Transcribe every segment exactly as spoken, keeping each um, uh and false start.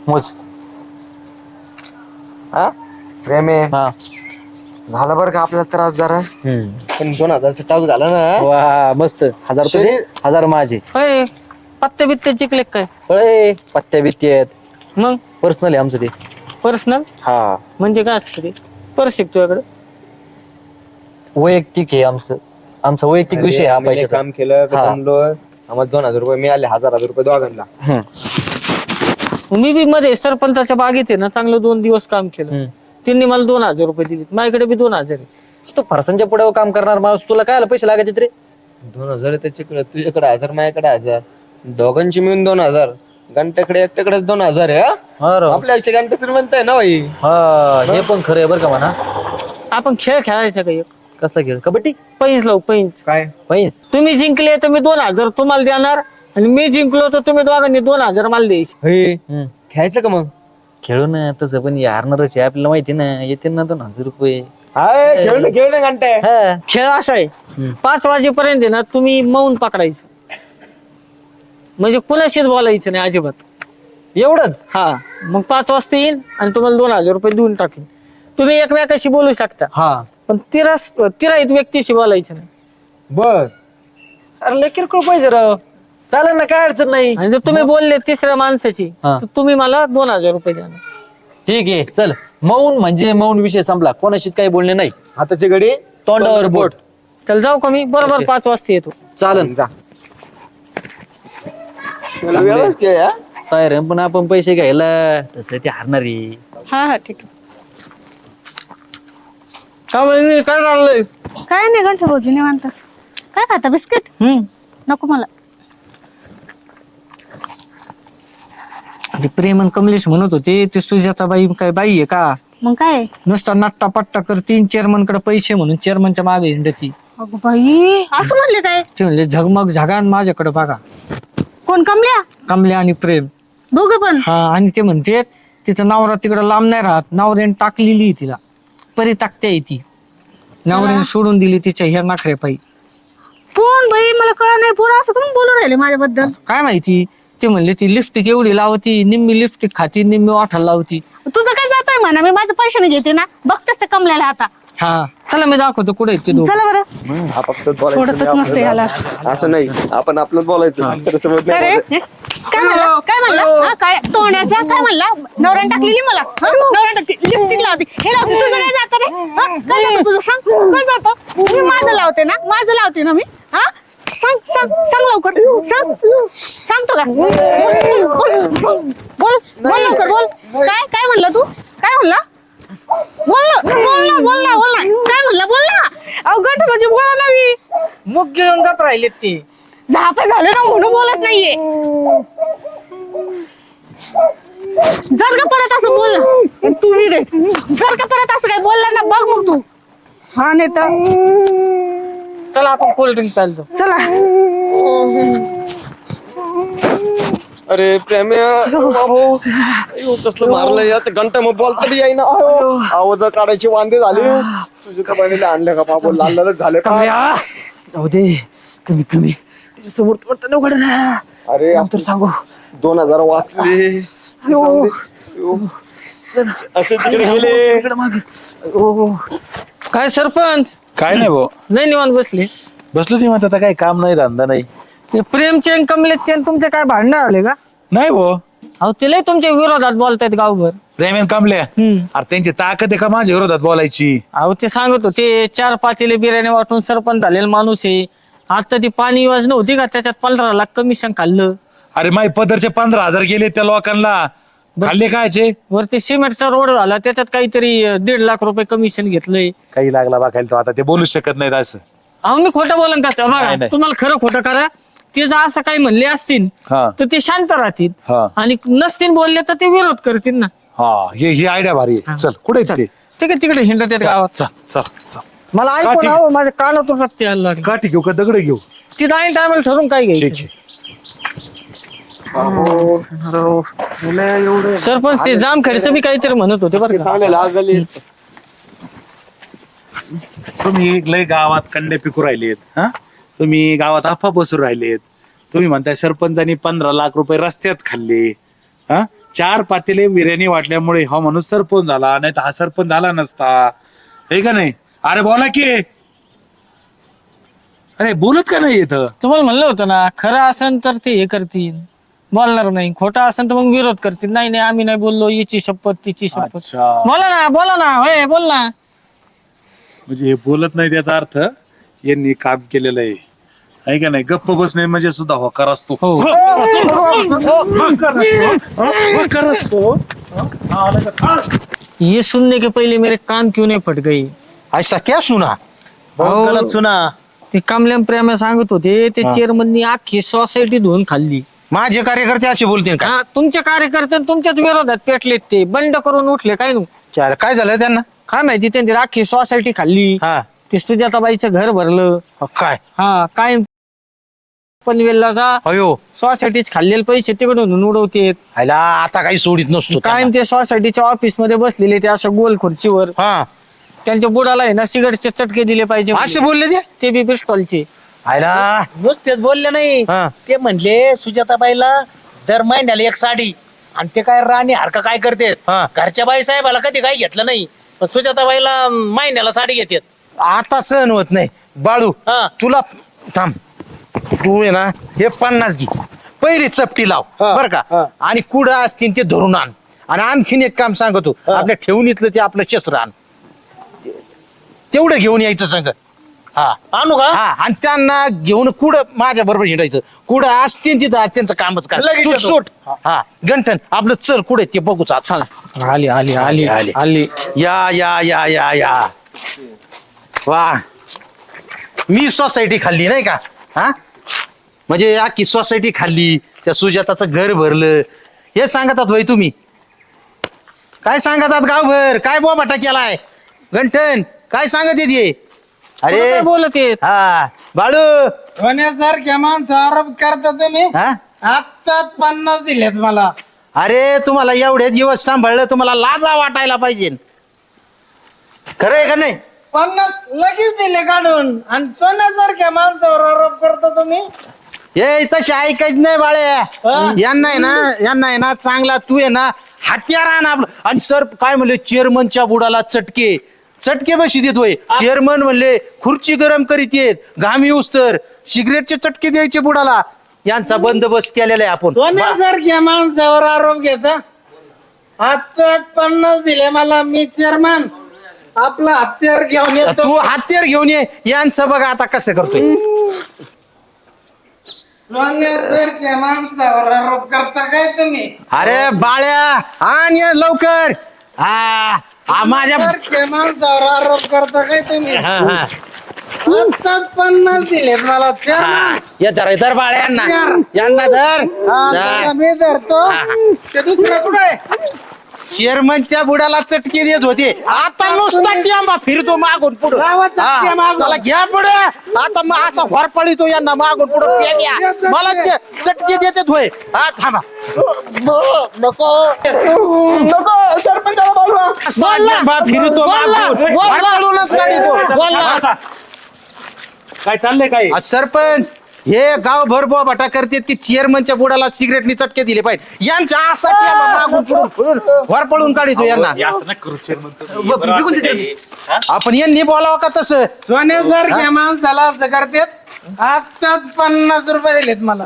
मोज. हा प्रेम आहे हा. झाला बरं का आपल्याला त्रास जरा हम्म. पण दोन हजारचा टाक झाला ना. वा मस्त. हजार तुझे शरीर- हजार माझे. होय पत्ते बित्ते चिकले काय अळे पत्त्या बित्ते आहेत. मग पर्सनल आहे आमचं ते. पर्सनल हा म्हणजे काय असतं ते पर्स तुझ्याकडे वैयक्तिक आहे आमचं. आमचा वैयक्तिक विषय हा आम्ही लय पैशाचा. काम केलं हा. दमलो आम्हाला दोन हजार रुपये मिळाले हजार हजार रुपये दोघांना. हम्म. मी बी मध्ये सरपंचाच्या बागेत आहे ना चांगलं दोन दिवस काम केलं. हम्म. त्यांनी मला दोन हजार रुपये दिले माझ्याकडे बी दोन हजार आहे. तू फरसांच्या पुढे काम करणार माणूस तुला काय पैसे लागत रे. दोन हजार त्याच्याकडे तुझ्याकडे हजार माझ्याकडे हजार दोघांची मिळून दोन हजार घंट्याकडे एकट्याकडेच दोन हजार आहे. हा? हा राव. आपल्या आयुष्य घंटे श्रीमंत आहे ना भाई. हा हे पण खरं आहे बरं का म्हणा. आपण खेळ खेळायचा का एक कसला खेळ कबड्डी पैस लावू पैंच काय पैस. तुम्ही जिंकले तर मी दोन हजार तुम्हाला देणार आणि मी जिंकलो तर तुम्ही दोघांनी दोन हजार मला द्यायचे. हे हम्म. खेळायचं का मग. खेळू ना तसं पण हारणारच आहे आपल्याला माहिती ना येते ना दोन हजार रुपये. हाय खेळ ना खेळ ना घंटे. हा. खेळ असा आहे पाच वाजेपर्यंत आहे ना तुम्ही मौन पकडायचं म्हणजे कुणाशीच बोलायचं नाही अजिबात. एवढंच. हा मग पाच वाजता येईन आणि तुम्हाला दोन हजार रुपये देऊन टाकेन. तुम्ही एकमेकाशी बोलू शकता हा. पण तिरस तिराईत व्यक्तीशी बोलायचं नाही. बर अरे लय किरकोळ पाहिजे राव. चालेल ना काय अडचण नाही. आणि जर तुम्ही बोलले तिसऱ्या माणसाची हा. तर तुम्ही मला दोन हजार रुपये द्या. ठीक आहे चल. मौन म्हणजे मौन विषय संपला कोणाशीच काही बोलणे नाही. हाताची घडी तोंडावर बोट. चल जाऊ का मी बरोबर पाच वाजता येतो. चालन. जा त्याला वेळच खेळ हा? तयार आहे, पण आपण पैसे घ्यायला तसं ते हारणारी. हा हा ठीक आहे. का म्हणजे काय चाललंय. काय नाही गंठ भाऊजी निवांत. काय खाता बिस्किट हम्म नको मला. ते प्रेम आणि कमलेश म्हणत होते ते सुजाता बाई काय बाई आहे का मग काय नुसता नट्टा पट्टा करतीन चेअरमन कडे पैसे म्हणून चेअरमनच्या मागे हिंडती. अगं बाई असं म्हणले काय ते म्हणले झगमग झगान माझ्याकडे बघा कोण कमल्या कमले आणि प्रेम. दोघं पण हा आणि ते म्हणते तिथं नवरा तिकडं लांब नाही राहत नवऱ्याने टाकलेली आहे तिला परी टाकते आहे ती नवऱ्याने सोडून दिली तिच्या ह्या नाखरे पायी. कोण बाई मला कळ नाही पोरं असं कोण बोलून राहिले माझ्याबद्दल. काय माहिती ते म्हणले ती लिपस्टिक एवढी लावती निम्मी लिपस्टिक खाती निम्मी वाठाला लावती. तुझं काय जातोय म्हणा मी माझं पैशाने घेते ना बघतेस ते कमल्याला आता. हा चला मी दाखवतो कुठे आहेत ते दोघं. चला बरं आपापसात बोलायचं सोडतच नाही नसते याला. आपल्याला. असं नाही आपण आपलं बोलायचं दुसऱ्यासोबत काय नाही रे बोलायचं. हे? काय म्हणला काय म्हणला हा, काय सोन्याच्या काय म्हणला नवऱ्याने टाकलेली मला हा? नवऱ्याने टाकली लिपस्टिक लावते हे लावते तुझं काय जातं रे हा? काय जातं तुझं सांग काय जातं मी माझं लावते ना माझं लावते ना मी हा सांग सांग सांग लवकर सांग सांगतो का बोल बोल बोल लवकर बोल काय काय म्हणला तू काय म्हणला बोल ना बोल ना बोल ना बोल ना काय म्हणला बोल ना अवघड म्हणजे बोला ना मी मुख गिळून गप राहिलेत ते. झापा झालं ना म्हणून बोलत नाहीये जर का परत असं बोल तुम्ही रे जर का परत असं काय बोलला ना बघ मग तू हा नाही तर चला आपण कोल्ड्रिंक चालतो. चला अरे प्रेम बाबू कसलं मारलंय आता घंटा मग बोलता बी ना आवाज काढायची वांदे झाले तुझ्या का बहिणीला आणलं का बाबू लाल लाल झाले का जाऊ दे कमीत कमी त्याच्या समोर पडतं उघड ना. अरे नंतर सांगू. दोन हजार वाचले असे तिकडे गेले इकडं मागे. ओ. काय सरपंच काय नाही भाऊ नाही निवांत बसले. बसलो ती म्हणत आता काय काम नाही धंदा नाही. ते प्रेमचेन कमलेशचेन तुमचे काय भांडणं आले का. नाही भाऊ अहो तिला तुमच्या विरोधात बोलतायत गावभर. प्रेमेन कामले हम्म. अरे त्यांची ताकद आहे का माझ्या विरोधात बोलायची. अहो ते सांगत होते चार पातेले बिर्याणी वाटून सरपंच झालेला माणूस आहे. आता ती पाणी योजना होती का त्याच्यात पंधरा लाख कमिशन खाल्लं. अरे माई पदरचे पंधरा हजार गेले त्या लोकांना खाल्ले कायचे. वरती सिमेंटचा रोड झाला त्याच्यात काहीतरी अं, दीड लाख रुपये कमिशन घेतलंय. काही लागला बघायला तो आता ते बोलूच शकत नाहीत असं. अहो मी खोटं बोलन का बघा नाही, नाही. तुम्हाला खरं खोटं करा. ते जर असं काही म्हणले असतील हा तर ते शांत राहतील हा आणि नसतील बोलले तर ते विरोध करतील ना. हा हे ही आयडिया भारी आहे. चल कुठे आहेत ते. ठीक आहे तिकडे हिंडत आहेत गावात. चल चल चल मला का ऐकून ठीक? हवं माझ्या कानातून रक्त यायला लागलं. काठी घेऊ का दगड घेऊ. ती डाईन टायमाला ठरून काय ठीक घ्यायचं. आहे. सरपंच ते जामखेडचं बी काहीतरी म्हणत होते बरं का. चांगले लागले तुम्ही लय गावात कंडे पिकू राहिलेत. हा तुम्ही गावात अफवा बसून राहिलेत. तुम्ही म्हणताय सरपंचानी पंधरा लाख रुपये रस्त्यात खाल्ले. हा चार पातेले बिर्याणी वाटल्यामुळे हा माणूस सरपंच झाला, नाही तर हा सरपंच झाला नसता, हे का नाही? अरे बोला की, अरे बोलत का नाही येतं? तुम्हाला म्हणलं होतं ना, खरं असेल तर ते हे करतील, बोलणार नाही. खोटं असेल तर मग विरोध करतील. नाही नाही आम्ही नाही बोललो, याची शपथ तिची शपथ. अच्छा. बोला ना बोला ना, होय बोल ना. म्हणजे हे बोलत नाही त्याचा अर्थ यांनी काम केलेलं आहे, आहे का नाही? गप्प बसणे म्हणजे सुद्धा होकार असतो. हो. होकार असतो. होकार असतो. हा, आला का? हा. ये सुनने के पहिले मेरे कान क्यों नहीं फट गई. ऐसा क्या सुना? बहुत गलत सुना. ते कमल्याम प्रेमा सांगत होते, ते चेअरमननी अख्खी सोसायटी धुवून खाल्ली. माझे कार्यकर्ते असे बोलतील का? हा, तुमच्या कार्यकर्ते तुमच्याच विरोधात पेटलेत, ते बंड करून उठले. काय नु क्या काय झालं त्यांना? काय माहिती, त्यांची अख्खी सोसायटी खाल्ली. हा ते सुजाताबाईचं घर भरलं. काय? हा काय पनवेलला अयो सोसायटीच खाल्लेले पैसे तिकडून उडवतेत. आयला आता काही सोडित नसतो कायम त्यांना. ते सोसायटीच्या ऑफिस मध्ये बसलेले, ते असं गोल खुर्चीवर. हा त्यांच्या बुडाला आहे ना सिगारेटचे चटके दिले पाहिजे असे म्हणले. बोलले ते? ते बी पिस्टॉलचे. आयला नुसतेच बोलले नाही, हा. ते म्हणले सुजाताबाईला दर महिन्याला एक साडी, आणि ते काय राणी हरका काय करते, हा. घरच्या बाई साहेबाला कधी काही घेतलं नाही, पण सुजाताबाईला महिन्याला साडी घेतात. आता सहन होत नाही. बाळू हा. तुला थांब, तू आहे ना हे पन्नास घे, पहिली चपटी लाव बर का, आणि कुडं असतील ते धरून आण. आणि आणखीन एक काम सांगतो, आपल्या ठेवणीतलं ते आपलं शस्त्र आण, तेवढं घेऊन यायचं संग. हा आणू का? हा, आणि त्यांना घेऊन कुठं माझ्या बरोबर हिंडायचं, कुठं असतील तिथं त्यांचं कामच काय. लगेच तू येतो. सोड. हा गंठन आपलं चल कुठे ते बघूच आता. आली आली आली आली. आली. या या या या या वा, मी सोसायटी खाल्ली नाही का? हा म्हणजे अख्खी सोसायटी खाल्ली, त्या सुजाताचं घर भरलं, हे सांगतात भाई तुम्ही? काय सांगतात गावभर? काय बोबाटा केलाय गंठन? काय सांगत येते? अरे अरे बोलत येत. हा बाळू होण्यासारख्या माणसं आरोप करता तुम्ही. हा आत्ताच पन्नास दिलेत मला. अरे तुम्हाला एवढे दिवस सांभाळलं, तुम्हाला लाजा वाटायला पाहिजे. खरं आहे का नाही? पन्नास लगेच दिले काढून, आणि सोन्यासारख्या माणसावर आरोप करता तुम्ही. हे तसे ऐकायच नाही बाळे. यांना आहे ना, यांना आहे ना चांगला तू आहे ना हत्यार आण आपलं. आणि सर काय म्हणले, चेअरमनच्या बुडाला चटके चटके बशी देतोय. चेअरमन म्हणले खुर्ची गरम करीत येत, घाम येऊस तर सिगरेटचे चटके द्यायचे बुडाला. यांचा बंदोबस्त केलेला आहे आपण. सोन्यासारख्या माणसावर आरोप घेता. आत्ताच पन्नास दिले मला. मी चेअरमन आपला हत्यार घेऊन येतो. तू हत्यार घेऊन ये. यांचं बघा आता कसं करतोय. सोन्यासारख्या माणसावर आरोप करता काय तुम्ही? अरे बाळ्या आण ये लवकर. हा हा, माझ्या सारख्या माणसावर आरोप करता काय तुम्ही? हा हा आत्ताच पन्नास दिलेत मला चेअरमन. हा. ये धर धर बाळ्या यांना, यांना धर. हा, धर. जरा मी धरतो. ते दुसरं कुठे आहे? चेअरमनच्या बुडाला चटके देत होते, आता नुसता टिंबा फिरतो मागून पुढे. गावात चटके मागून. चला घ्या पुढे. आता मग असा होरपळीतो यांना मागून पुढे. मला ते चटके देतात होय. हा थांबा. असा टिंबा फिरतो मागून, होरपळूनच काढितो. बसा. काय चाललंय काय? आज सरपंच हे गावभर बोबाटा करतात की चेअरमनच्या बुडाला सिगरेटनी चटके दिले पाहिजे. यांच्या असा टिंबा मागून पुढून पुढून होरपळून काढितो यांना. हे असं नका करू chairman तुम्ही. बरं वाटतं काही? हा? आपण यांनी बोलावं का तसं? सोन्यासारख्या माणसाला असं करतात. आत्ताच पन्नास रुपये दिलेत मला.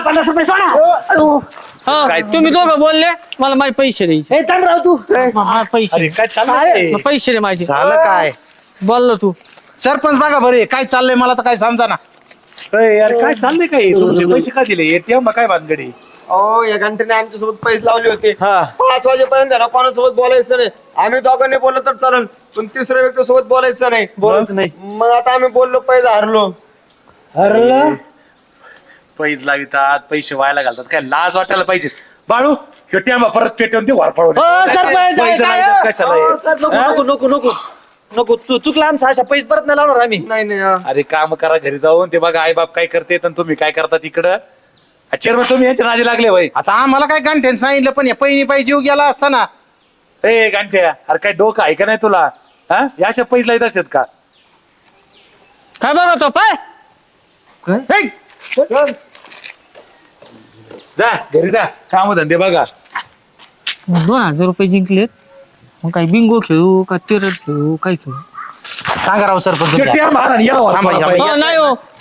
हा, तुम्ही दोघं बोलले, मला माझे पैसे द्यायचे. हा, पैसे अरे काय चाललंय? मग पैसे दे माझे. झालं काय? बोललो तू. सरपंच बघा बरे काय चाललंय, मला तर काय समजा ना. अरे यार काय चाललंय काय? तुमचे पैसे का दिले? एटीएम काय भानगडी? अहो या घंटेने आमच्या सोबत पैसे लावले होते. पाच वाजेपर्यंत आहे ना कोणासोबत बोलायचं नाही. आम्ही दोघांनी बोललो तर चालेल, पण तिसऱ्या व्यक्ती सोबत बोलायचं नाही. बोलायचं नाही. मग आता आम्ही बोललो, पैसे हरलो. हरलं? पैसे लावितात, पैसे व्हायला घालतात, काय लाज वाटायला पाहिजे. बाळू एटीएम परत पेटवून ते वार पडवून सरपंच, पैसे काय? लावितात कशाला हे? नको नको नको नको नको तू चुकला आमचा. अशा पैसे परत नाही लावणार आम्ही. नाही नाही हा. अरे काम करा घरी जाऊन, ते बघा आई बाप काय करते आणि तुम्ही काय करता तिकडं. चेअरमन तुम्ही यांच्या नादी लागले भाई. आता आम्हाला काय गांठ्यान सांगितलं, पण या पहिली पाहिजे जीव गेला असताना. ए गांठ्या, अरे काय डोकं आहे का नाही तुला? हा या अशा पैसे लावत असतात का? काय बघतो पाय. हे, जा घरी जा, काम धंदे बघा. दोन हजार रुपये जिंकलेत मग काय बिंगो खेळू का तिरट खेळू काय खेळू सांगा राव सरपंच ते तुम्ही. त्या महाराणी या थांबा, वाला. थांबा. हो, नाही हो